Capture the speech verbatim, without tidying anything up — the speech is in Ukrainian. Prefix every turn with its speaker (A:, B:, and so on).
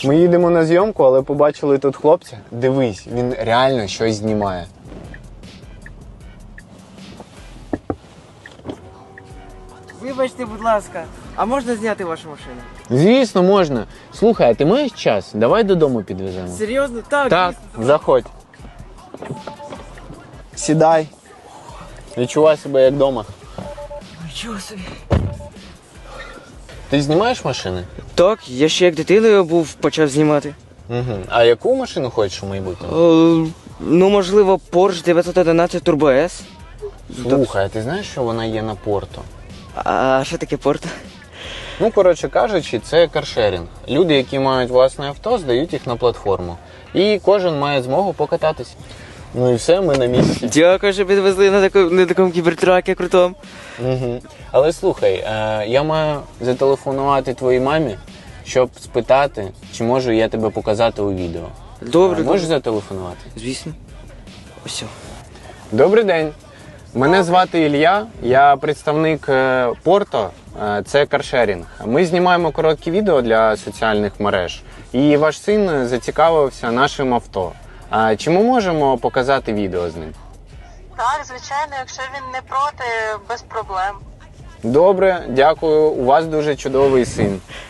A: Ми їдемо на зйомку, але побачили тут хлопця. Дивись, він реально щось знімає.
B: Вибачте, будь ласка, а можна зняти вашу машину?
A: Звісно, можна. Слухай, а ти маєш час? Давай додому підвеземо.
B: Серйозно? Так,
A: Так,
B: дійсно.
A: заходь. Сідай. Відчувай себе як вдома.
B: Нічого собі.
A: Ти знімаєш машини?
B: Так, я ще як дитиною був, почав знімати.
A: Угу. А яку машину хочеш у майбутньому?
B: О, ну, можливо, Porsche дев'ятсот одинадцять Turbo S.
A: Слухай, а ти знаєш, що вона є на Порто?
B: А що таке Порто?
A: Ну, коротше кажучи, це каршерінг. Люди, які мають власне авто, здають їх на платформу. І кожен має змогу покататись. Ну і все, ми на місці.
B: Дякую, що підвезли на такому, на такому кібертракі крутому.
A: Угу. Але слухай, е, я маю зателефонувати твоїй мамі, щоб спитати, чи можу я тебе показати у відео.
B: Добре,
A: Е, Можеш
B: добре.
A: зателефонувати?
B: Звісно. Ось.
A: Добрий день. Мене звати Ілля, я представник е, Порто, е, це каршерінг. Ми знімаємо короткі відео для соціальних мереж, і ваш син зацікавився нашим авто. А чи ми можемо показати відео з ним?
C: Так, звичайно, якщо він не проти, без проблем.
A: Добре, дякую, у вас дуже чудовий син.